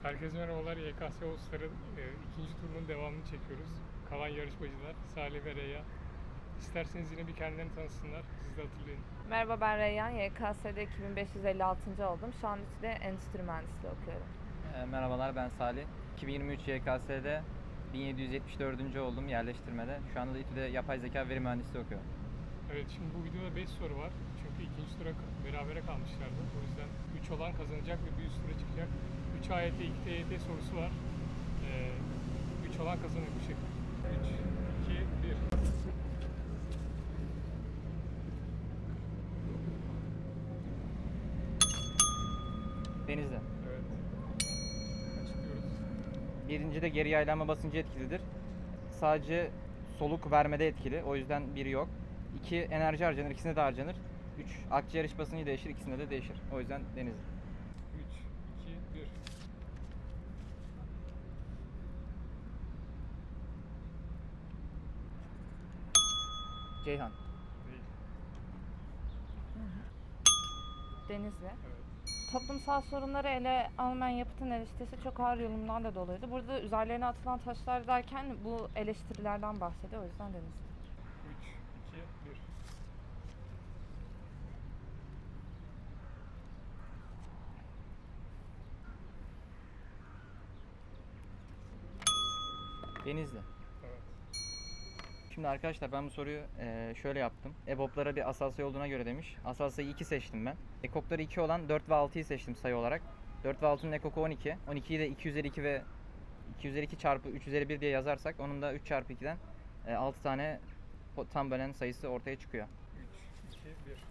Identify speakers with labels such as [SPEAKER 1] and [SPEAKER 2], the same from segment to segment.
[SPEAKER 1] Herkese merhabalar. YKS Oğuzlar'ın ikinci turunun devamını çekiyoruz. Kalan yarışmacılar Salih ve Reyyan. İsterseniz yine bir kendilerini tanısınlar. Siz de hatırlayın.
[SPEAKER 2] Merhaba, ben Reyyan. YKS'de 2556. oldum. Şu an İTÜ'de endüstri mühendisliği okuyorum.
[SPEAKER 3] Merhabalar, ben Salih. 2023 YKS'de 1774. oldum yerleştirmede. Şu anda da İTÜ'de yapay zeka veri mühendisliği okuyorum.
[SPEAKER 1] Evet, şimdi bu videoda 5 soru var. Çünkü ikinci tura berabere kalmışlardı. O yüzden 3 olan kazanacak ve bir üst tura çıkacak. 3 AYT, 2 TYT sorusu var. 3 olan kazanıyor bu şekilde. 3, 2, 1.
[SPEAKER 3] Denizli.
[SPEAKER 1] Evet. Açıklıyoruz.
[SPEAKER 3] Birincide geri yaylanma basıncı etkilidir. Sadece soluk vermede etkili. O yüzden biri yok. 2 enerji harcanır. İkisinde de harcanır. 3 akciğer iç basıncı değişir. İkisinde de değişir. O yüzden Denizli.
[SPEAKER 1] 3, 2, 1.
[SPEAKER 3] Ceyhan.
[SPEAKER 1] Değil.
[SPEAKER 2] Denizli.
[SPEAKER 1] Evet.
[SPEAKER 2] Toplumsal sorunları ele almayan yapıtın eleştirisi çok ağır yorumlarla doluydu. Burada üzerlerine atılan taşlar derken bu eleştirilerden bahsediyor. O yüzden Denizli.
[SPEAKER 1] 3, 2, 1.
[SPEAKER 3] Denizli.
[SPEAKER 1] Evet.
[SPEAKER 3] Şimdi arkadaşlar ben bu soruyu şöyle yaptım. EBOB'lara bir asal sayı olduğuna göre demiş. Asal sayı 2 seçtim ben. Ekokları 2 olan 4 ve 6'yı seçtim sayı olarak. 4 ve 6'nın ekoku 12. 12'yi de 2 üzeri 2 ve 2 üzeri 2 çarpı 3 üzeri 1 diye yazarsak onun da 3 çarpı 2'den 6 tane tam bölen sayısı ortaya çıkıyor.
[SPEAKER 1] 3, 2, 1.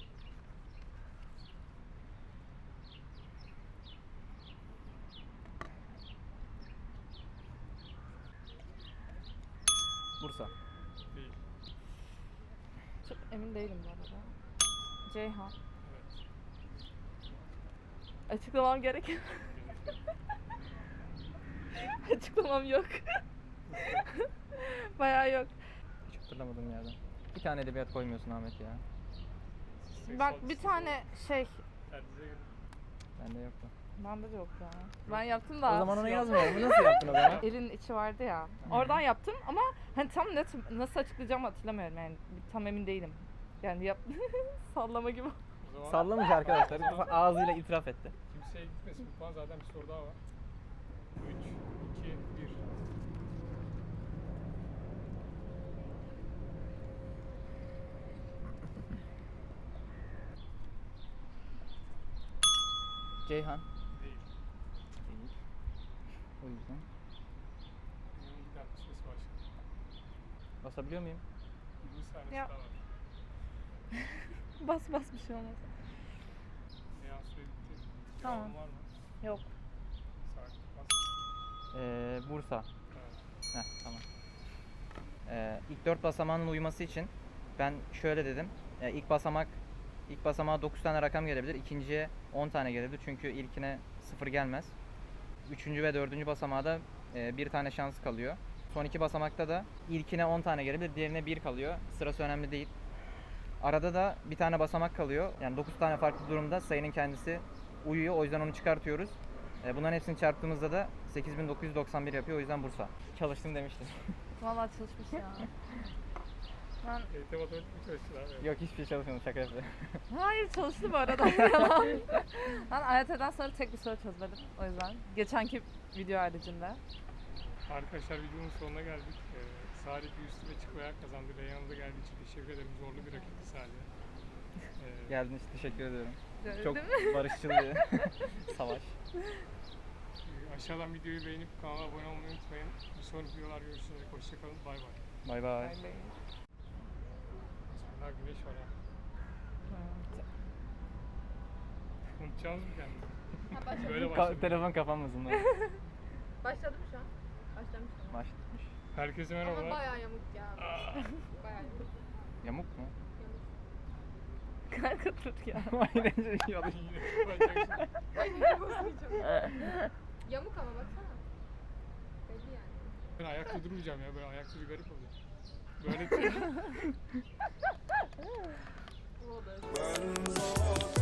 [SPEAKER 3] Bursa.
[SPEAKER 1] Değil.
[SPEAKER 2] Çok emin değilim bu arada. Ceyhan.
[SPEAKER 1] Evet.
[SPEAKER 2] Açıklamam gerek. Açıklamam yok. Bayağı yok.
[SPEAKER 3] Hiç hatırlamadım yerden. Bir tane edebiyat koymuyorsun Ahmet ya.
[SPEAKER 2] Bak bir tane şey,
[SPEAKER 1] Kendinize gelin.
[SPEAKER 3] Bende yoktu.
[SPEAKER 2] bende de yok ya. Ben yaptım da.
[SPEAKER 3] O zaman onu yazmayalım. Nasıl yaptın o zaman?
[SPEAKER 2] Elin içi vardı ya. Oradan yaptım ama hani tam nasıl açıklayacağımı hatırlamıyorum yani. Tam emin değilim. Yani sallama gibi.
[SPEAKER 1] O zaman
[SPEAKER 3] Sallamış arkadaşlar. Ağzıyla itiraf etti.
[SPEAKER 1] kimseye gitmesin. Bu puan zaten bir soru daha var. 3, 2, 1.
[SPEAKER 3] Ceyhan.
[SPEAKER 1] Değil.
[SPEAKER 3] Değil. O yüzden.
[SPEAKER 1] Benim bir dakika süresi başladı.
[SPEAKER 3] Basabiliyor muyum?
[SPEAKER 1] 20 saniyesi
[SPEAKER 2] Ya.
[SPEAKER 1] daha var.
[SPEAKER 2] Bas bir şey olmaz.
[SPEAKER 1] Seans süre bitti.
[SPEAKER 2] Tamam.
[SPEAKER 1] Devamı var mı?
[SPEAKER 2] Yok.
[SPEAKER 1] Sakin. Bas.
[SPEAKER 3] Bursa.
[SPEAKER 1] Evet.
[SPEAKER 3] Heh, tamam. İlk 4 basamağının uyması için ben şöyle dedim. İlk basamağa 9 tane rakam gelebilir. İkinciye 10 tane gelebilir. Çünkü ilkine 0 gelmez. Üçüncü ve dördüncü basamağa da bir tane şans kalıyor. Son iki basamakta da ilkine 10 tane gelebilir. Diğerine 1 kalıyor. Sırası önemli değil. Arada da bir tane basamak kalıyor. Yani 9 tane farklı durumda sayının kendisi uyuyor. O yüzden onu çıkartıyoruz. Bunların hepsini çarptığımızda da 8991 yapıyor. O yüzden Bursa. Çalıştım demiştim.
[SPEAKER 2] Vallahi çalışmış ya. Ben
[SPEAKER 1] EYT matematik mi çalıştılar? Evet.
[SPEAKER 3] Yok, hiçbir şey çalışmadım, şaka yapıyorum.
[SPEAKER 2] hayır çalıştı bu arada. Yalan. Ben AYT'den sonra tek bir soru çözmedim. O yüzden geçenki video haricinde.
[SPEAKER 1] Arkadaşlar videonun sonuna geldik. Salih bir üst tura çıkmaya kazandı. Reyhan'a da geldiği için teşekkür ederim. Zorlu bir rakipti Salih'e.
[SPEAKER 3] Geldiğiniz için teşekkür ediyorum.
[SPEAKER 2] Değil
[SPEAKER 3] Çok
[SPEAKER 2] mi?
[SPEAKER 3] barışçıl bir savaş.
[SPEAKER 1] Aşağıdan videoyu beğenip kanala abone olmayı unutmayın. Bir sonraki videolar görüşürüz. Hoşçakalın. Bay bay.
[SPEAKER 3] Bay bay.
[SPEAKER 2] Bay bay.
[SPEAKER 1] Bismillah, güneş var ha. Unutacağınız mı kendini?
[SPEAKER 4] Ha, başladı.
[SPEAKER 1] Böyle başladı.
[SPEAKER 3] Telefon kapanmasın.
[SPEAKER 4] Başladı mı şu an? Başlamış mı?
[SPEAKER 3] Başlamış.
[SPEAKER 1] Herkese
[SPEAKER 4] Ama
[SPEAKER 1] merhabalar.
[SPEAKER 4] bayağı yamuk ya. Bayağı yamuk.
[SPEAKER 3] Yamuk mu?
[SPEAKER 4] Yamuk.
[SPEAKER 2] Kanka dur ya.
[SPEAKER 3] Aynen şey oldu.
[SPEAKER 1] Yine bakacaksın.
[SPEAKER 4] Ay hiç bozmayacağım. Yamuk ama baksana. Belli yani.
[SPEAKER 1] Ben ayakta durmayacağım ya. Böyle ayakta bir garip olacak. Böyle
[SPEAKER 4] O da.